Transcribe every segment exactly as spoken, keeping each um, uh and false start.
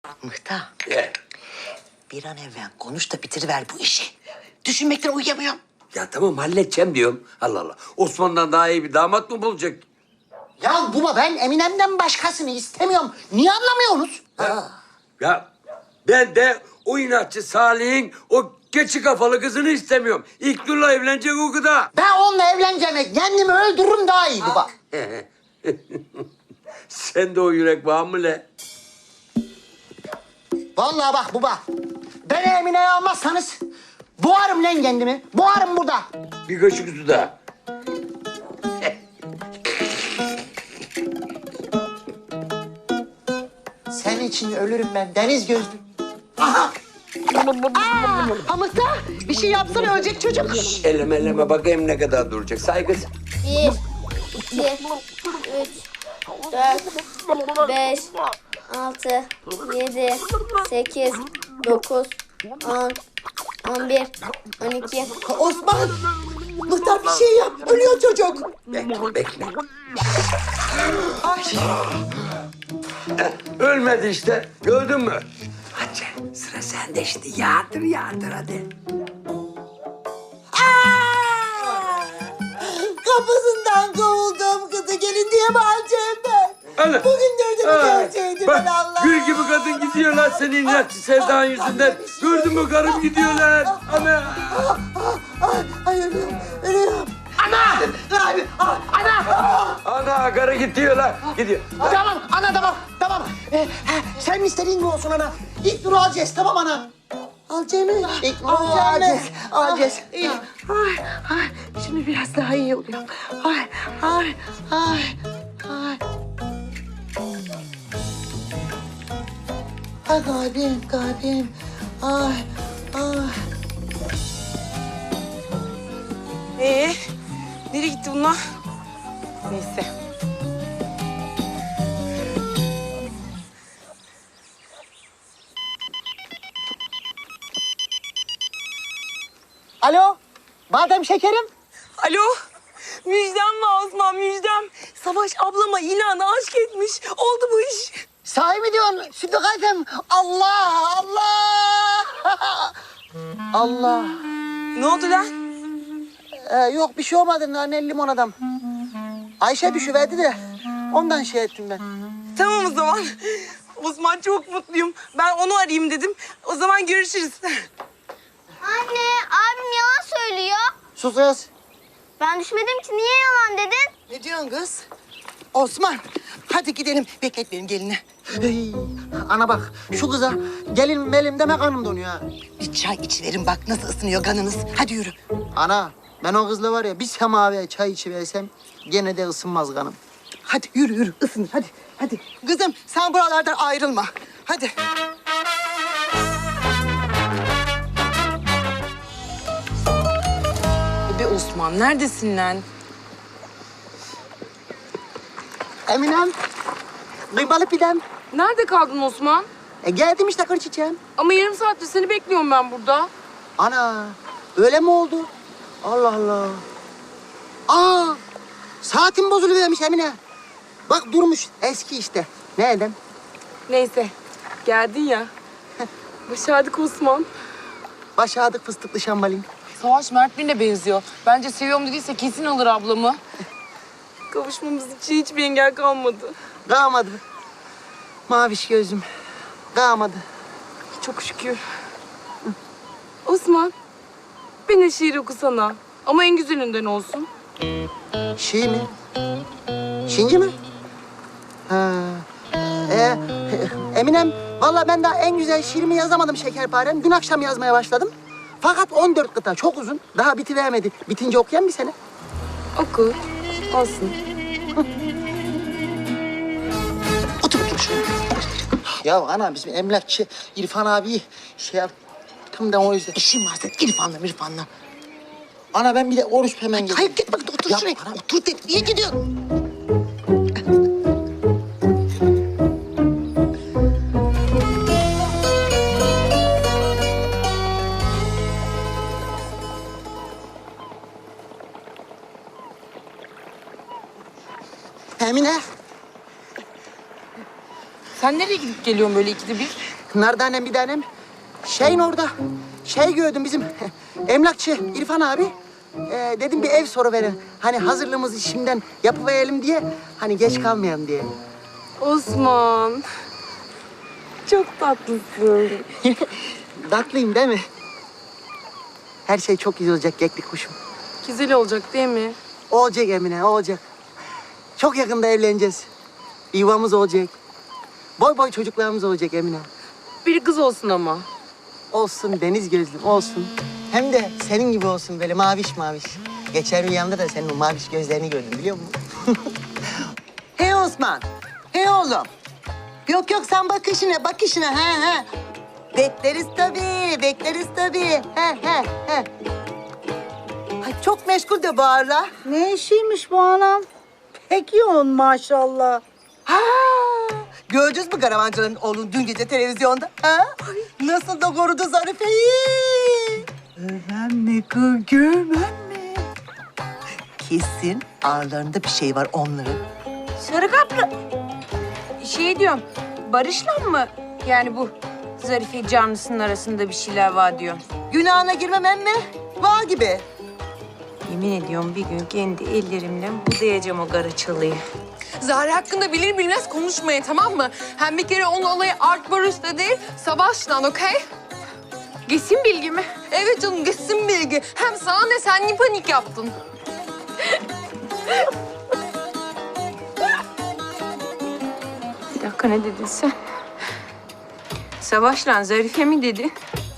Mıhtar, Ye. bir an evvel konuş da bitiriver bu işi. Düşünmekten uyuyamıyorum. Ya tamam halledeceğim diyorum. Allah Allah. Osman'dan daha iyi bir damat mı bulacak? Ya baba ben Eminem'den başkasını istemiyorum. Niye anlamıyorsunuz? Ha? Ya ben de o inatçı Salih'in o keçi kafalı kızını istemiyorum. İlknur'la evlenecek o kadar. Ben onunla evleneceğime kendimi öldürürüm daha iyi baba. Sen de o yürek var mı le? Vallahi bak baba. Beni Emine'ye almazsanız boğarım lan kendimi. Boğarım burada. Bir kaşık su daha. Senin için ölürüm ben deniz gözlü. Aha! Aa, Mıhtar bir şey yapsana ölecek çocuk. Eleme eleme bakayım ne kadar duracak. Saygız. Bir, iki, üç, dört, beş, altı, yedi, sekiz, dokuz, on, on bir, on iki. Osman! Mıhtar bir şey yap. Ölüyor çocuk. Bekle bekle. Eh, Ölmedi işte. Gördün mü? Hadi sıra sende işte. Yağdır yağdır hadi. Kapısından kovuldum kızı gelin diye bağıracağım ben. Ana. Bugün dördümü Ha, görseydim bak, ben Allah. gül gibi kadın gidiyorlar senin inatçı sevdan yüzünden. Gördün mü karım gidiyorlar. Ana. Ay, ay ölüyorum, ölüyorum. Ana! Abi, ah, ana! Ana karı gidiyorlar. Gidiyor. Tamam, ana tamam, tamam. Ee, ha, sen istediğin gibi olsun ana. İlk nuru alacağız, tamam ana. Alacağız mı? İlk nuru alacağız, alacağız. İyi. Ay, ay. Şimdi biraz daha iyi oluyor. Ay, ay, ay, ay. Ay kalbim, kalbim. Ay, ay. Ee, nereye gitti bunlar? Neyse. Alo, badem şekerim. Alo. Müjdem var Osman, müjdem. Savaş ablama inan aşk etmiş. Oldu bu iş. Sahi mi diyorsun Sütü Kalpem? Allah, Allah! Allah. Ne oldu lan? Ee, yok bir şey olmadı naneli limon adam. Ayşe düşüverdi de ondan şey ettim ben. Tamam o zaman. Osman çok mutluyum. Ben onu arayayım dedim. O zaman görüşürüz. Anne, abim yalan söylüyor. Sus kız. Ben düşmedim ki, niye yalan dedin? Ne diyorsun kız? Osman, hadi gidelim. Beklet benim gelini. Hey, ana bak şu kıza gelin melim deme kanım donuyor ha. Bir çay içiverin bak nasıl ısınıyor kanınız. Hadi yürü. Ana ben o kızla var ya bir semaviye çay içiversem gene de ısınmaz kanım. Hadi yürü yürü ısınır hadi. Hadi. Kızım sen buralardan ayrılma. Hadi. Be Osman neredesin lan? Eminem, kıymalı pidem. Nerede kaldın Osman? E, geldim işte kır çiçeğim. Ama yarım saattir seni bekliyorum ben burada. Ana öyle mi oldu? Allah Allah. Aa saatim bozuluvermiş Emine. Bak durmuş eski işte. Ne edem? Neyse, geldin ya. Başardık Osman. Başardık fıstıklı şambalin. Savaş Mert Birine benziyor. Bence seviyorum dediyse kesin alır ablamı. Kavuşmamız için hiçbir engel kalmadı. Kalmadı. Maviş gözüm. Kalmadı. Çok şükür. Osman, bana şiir okusana. Ama en güzelinden olsun. Şii mi? Şinci mi? Ha. Ee, Eminem, vallahi ben daha en güzel şiirimi yazamadım şekerparem. Dün akşam yazmaya başladım. Fakat on dört kıta çok uzun. Daha bitivermedi. Bitince okuyan mı seni? Oku, olsun. Otur otur şuraya. Ya ana bizim emlakçı İrfan abi şey yaptım da o yüzden. İşim var senin İrfan'la İrfan'la. Ana ben bir de oruç hemen geleyim. Hayır git bak otur Ya şuraya. bana- Otur de niye gidiyorsun? Emine. Sen nereye gidip geliyorsun böyle ikide bir? Nardanem bir tanem. Şeyin orada. Şey gördüm bizim emlakçı İrfan abi. Ee, dedim bir ev soruverin. Hani hazırlığımızı şimdiden yapıverelim diye. Hani geç kalmayalım diye. Osman. Çok tatlısın. Tatlıyım değil mi? Her şey çok güzel olacak keklik kuşum. Güzel olacak değil mi? Olacak Emine, olacak. Çok yakında evleneceğiz. Bir yuvamız olacak. Boy boy çocuklarımız olacak Emine. Bir kız olsun ama. Olsun deniz gözlüm, olsun. Hem de senin gibi olsun böyle maviş maviş. Geçen rüyamda da senin o maviş gözlerini gördüm biliyor musun? Hey Osman, hey oğlum. Yok yok sen bak işine, bak işine. He he. Bekleriz tabii, bekleriz tabii. He he he. Ay, çok meşgul de bu ara. Ne işiymiş bu anam? Pek yoğun maşallah. Ha! Gördünüz mü karavancıların oğlunu dün gece televizyonda? Ha? Nasıl da korudu Zarife'yi? Görmem mi kız, görmem mi? Kesin ağırlarında bir şey var onların. Sarı kaplı. Şey diyorum, Barış'la mı? Yani bu Zarife canlısının arasında bir şeyler var diyor. Günahına girmem emme. Var gibi. Yemin ediyorum bir gün kendi ellerimle budayacağım o Garaçalı'yı. Zahra hakkında bilir bilmez konuşmayın, tamam mı? Hem bir kere onun olayı Art Barış'ta değil, Savaş'tan, okey? Geçsin bilgi mi? Evet canım, geçsin bilgi. Hem sana ne, sen niye panik yaptın? Bir dakika, ne dedin sen? Savaş'la Zarife mi dedi?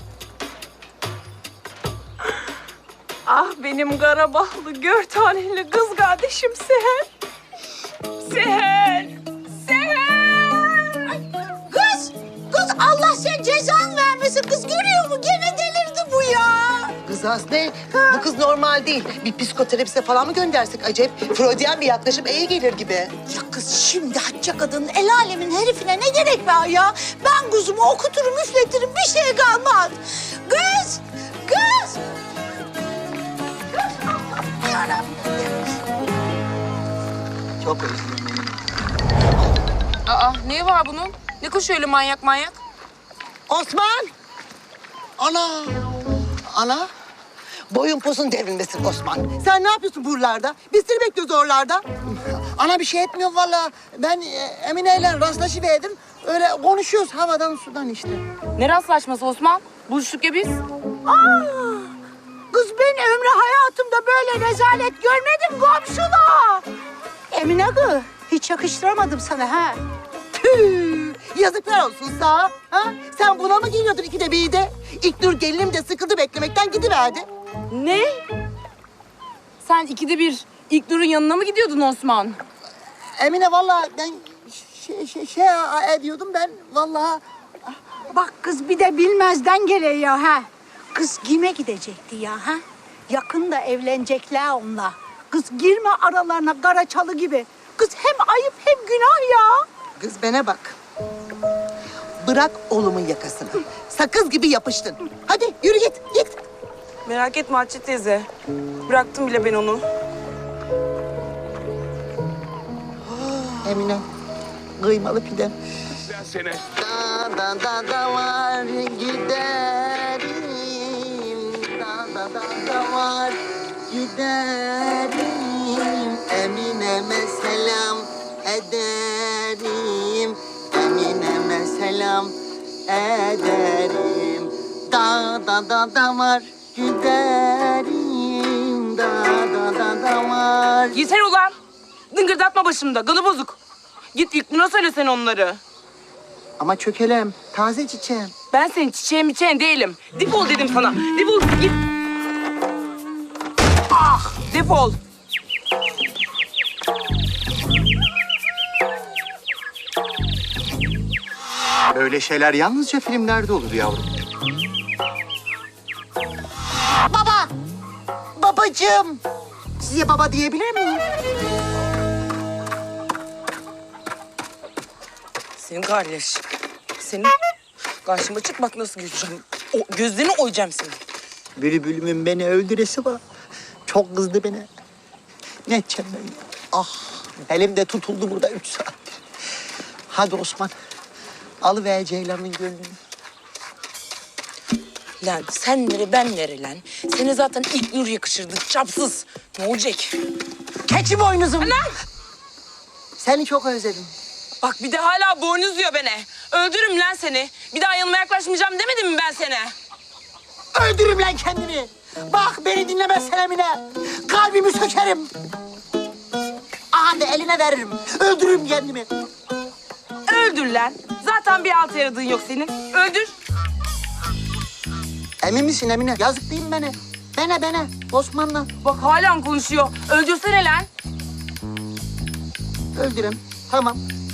Ah benim Karabağlı gör taneli kız kardeşim Seher. Seher! Seher! Kız, kız Allah sen cezan vermesin. Kız görüyor mu? Gene delirdi bu ya. Kız Aslı, bu kız normal değil. Bir psikoterapiste falan mı göndersek acayip? Freudian bir yaklaşım iyi gelir gibi. Ya kız şimdi hacca kadının el alemin herifine ne gerek var ya? Ben kuzumu okuturum, üfletirim, bir şey kalmaz. Kız, kız. Çok özledim beni. Aa ne var bunun? Ne koşuyor öyle manyak manyak? Osman! Ana! Ana! Boyun posun devrilmesin Osman. Sen ne yapıyorsun buralarda? Biz seni bekliyoruz oralarda. Ana bir şey etmiyor vallahi. Ben e, Emine ile rastlaşıverdim. Öyle konuşuyoruz havadan sudan işte. Ne rastlaşması Osman? Buluştuk ya biz. Aa, kız ben ömrü hayatımda böyle rezalet görmedim komşula. Emine kız, hiç yakıştıramadım sana ha. Tüh! Yazıklar olsun sana. Ha? Sen buna mı geliyordun ikide bir de? İlknur gelinim de sıkıldı beklemekten gidiverdi. Ne? Sen ikide bir İlknur'un yanına mı gidiyordun Osman? Emine vallahi ben şey, şey, şey ediyordum ben vallahi. Bak kız bir de bilmezden geliyor ya ha. Kız kime gidecekti ya ha? Yakında evlenecekler onunla. Kız girme aralarına Karaçalı gibi. Kız hem ayıp hem günah ya. Kız bana bak. Bırak oğlumun yakasını. Sakız gibi yapıştın. Hadi yürü git git. Merak etme Hatice teyze. Bıraktım bile ben onu. Emine kıymalı pidem. Seni. Da da da da var giderim. Da da da da var giderim. Emine'me selam ederim. Emine'me selam ederim. Da da da da var giderim. Da da da da var. Yeter ulan. Dıngırdatma başımda. Kanı bozuk. Git İlknur'a söylesen onları. Ama çökelem, taze çiçeğim. Ben senin çiçeğin miçeğin değilim. Defol dedim sana. Defol git. Ah defol. Öyle şeyler yalnızca filmlerde olur yavrum. Baba! Babacığım! Size baba diyebilir miyim? Senin kardeş. Senin karşıma çık bak nasıl gözeceğim. O, gözlerini oyacağım senin. Bülbülümün beni öldüresi var. Çok kızdı beni. Ne edeceğim ben? Ah! Elimde tutuldu burada üç saattir. Hadi Osman. Alıver Ceylan'ın gönlünü. Lan sen nere ben nere lan? Seni zaten ilk nur yakışırdı çapsız. Ne olacak? Keçi boynuzum. Anam! Seni çok özledim. Bak bir de hala boynuz diyor beni. Öldürürüm lan seni. Bir daha yanıma yaklaşmayacağım demedim mi ben sana? Öldürürüm lan kendimi. Bak beni dinlemezsen Emine. Kalbimi sökerim. Aha da eline veririm. Öldürürüm kendimi. Öldür lan. Zaten bir altı yaradığın yok senin. Öldür. Emin misin Emine? Yazık değil mi bana? Bana bana. Osman'la. Bak hala konuşuyor. Öldürsene lan. Öldürüm. Tamam.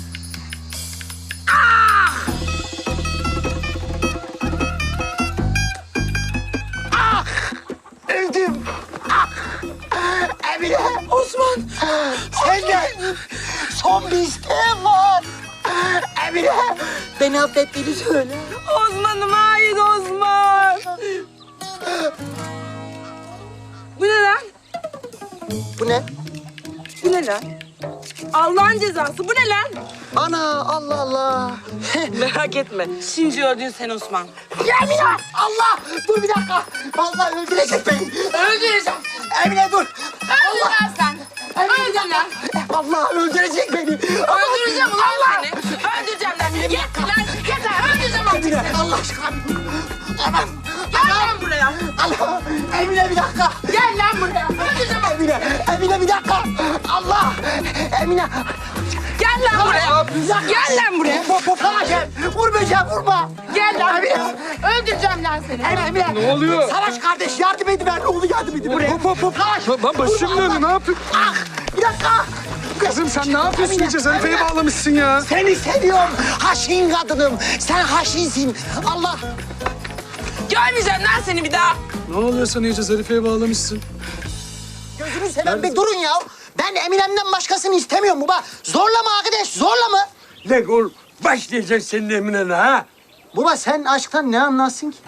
Ah! Ah! Öldüm. Ah! Emine. Osman. Senden son bir isteğim var. Emine. Beni affettiğini söyle. Osman'ım hayır Osman. Bu ne lan? Bu ne? Bu ne lan? Allah'ın cezası bu ne lan? Ana Allah Allah. Merak etme. Şimdi öldün sen Osman. Emine! Allah! Dur bir dakika. Vallahi öldürecek beni. Öldüreceğim. Emine dur. Öldür lan sen. Öldür lan. Allah öldürecek beni. Öldüreceğim ulan seni. Öldüreceğim lan. Git lan. Git lan. Öldüreceğim artık Emine seni. Allah aşkına. Aman. Gel lan buraya. Allah. Emine bir dakika. Gel lan buraya. Öldüreceğim artık. Emine. Emine bir dakika. Allah. Emine. Gel lan buraya. Gel lan buraya. Bu, bu, bana gel. Vur böceğim vurma. Gel lan. Emine. Öldüreceğim lan seni. Emine. Emine. Ne oluyor? Savaş kardeş yardım edin. Ben oğlu yardım edin. Buraya. Hop hop hop. Savaş. Lan başım Vurma, dönüyor, Allah. ne yapıyorsun? Ah. Bir dakika. Kızım sen ne yapıyorsun? Emine, İyice Zarife'yi Emine. bağlamışsın ya. Seni seviyorum. Haşin kadınım. Sen haşinsin. Allah. Görmeyeceğim lan seni bir daha. Ne oluyor sen iyice Zarife'yi bağlamışsın? Gözünü seveyim bir durun ya. Ben Eminem'den başkasını istemiyorum baba. Zorla mı arkadaş? Zorla mı? Lan oğlum başlayacak senin Emine'ne ha? Baba sen aşktan ne anlarsın ki?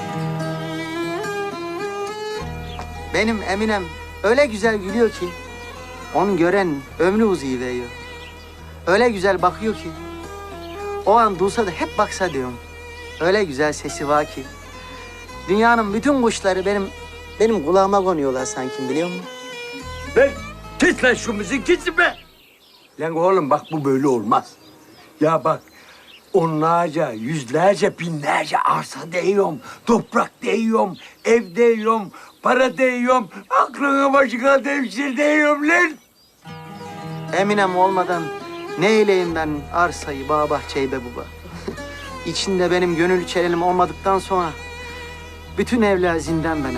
Benim Eminem öyle güzel gülüyor ki onu gören ömrü uzayıveriyor. Öyle güzel bakıyor ki o an duysa da hep baksa diyorum. Öyle güzel sesi var ki dünyanın bütün kuşları benim benim kulağıma konuyorlar sanki biliyor musun? Lan kes lan şu müzik gitsin be. Lan oğlum bak bu böyle olmaz. Ya bak onlarca, yüzlerce, binlerce arsa değiyorum. Toprak değiyorum, ev değiyorum, para değiyorum. Aklına başına devşir değiyorum lan. Eminem olmadan ne eyleyim ben arsayı, bağ bahçeyi be baba. İçinde benim gönül çelenim olmadıktan sonra bütün evler zindan bana.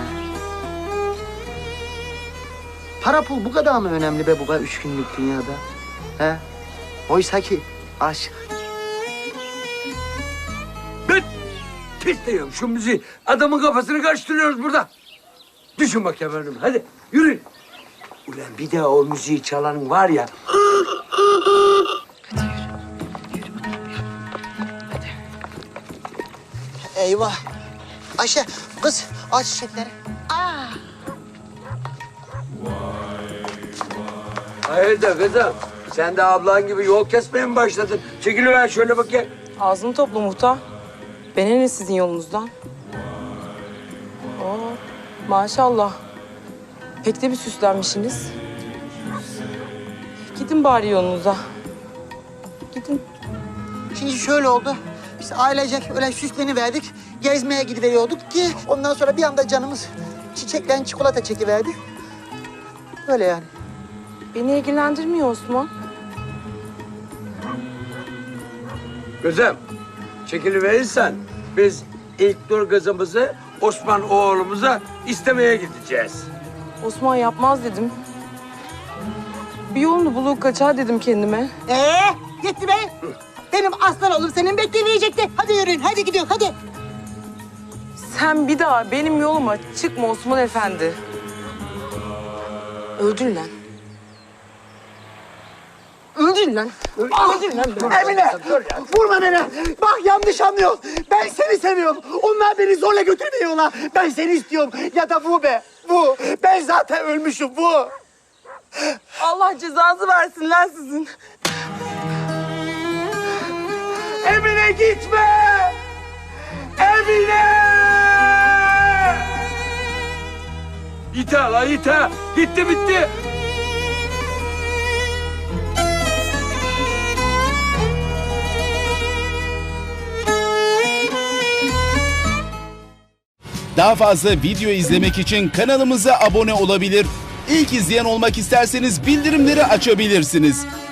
Para pul bu kadar mı önemli be baba üç günlük dünyada? He? Oysa ki aşk. Ben kes diyorum şu müziği. Adamın kafasını karıştırıyoruz burada. Düşün bakayım önüme hadi yürü. Ulan bir daha o müziği çalanın var ya. Eyvah. Ayşe kız aç çiçekleri. Hayırdır kızım? Sen de ablan gibi yol kesmeye mi başladın? Çekiliver şöyle bakayım. Ağzını topla muhtar. Bana ne sizin yolunuzdan? Oo, maşallah. Pek de bir süslenmişsiniz. Gidin bari yolunuza. Gidin. Şimdi şöyle oldu. Biz ailecek öyle süsleniverdik. Gezmeye gidiveriyorduk ki ondan sonra bir anda canımız çiçekten çikolata çekiverdi. Öyle yani. Beni ilgilendirmiyor Osman. Kızım, çekiliverirsen biz ilk dur kızımızı Osman oğlumuza istemeye gideceğiz. Osman yapmaz dedim. Bir yolunu bulup kaçar dedim kendime. Ee, gitti be. Benim aslan oğlum senin bekleyecekti. Hadi yürüyün, hadi gidiyoruz, hadi. Sen bir daha benim yoluma çıkma Osman Efendi. Öldür lan. Öldür lan. Öldür lan. Emine, vurma beni. Bak yanlış anlıyorsun. Ben seni seviyorum. Onlar beni zorla götürmüyorlar. Ben seni istiyorum. Ya da bu be, bu. Ben zaten ölmüşüm, bu. Allah cezanızı versin lan sizin. Emine gitme! Emine! yeter la yeter. Gitti bitti. Daha fazla video izlemek için kanalımıza abone olabilir. İlk izleyen olmak isterseniz bildirimleri açabilirsiniz.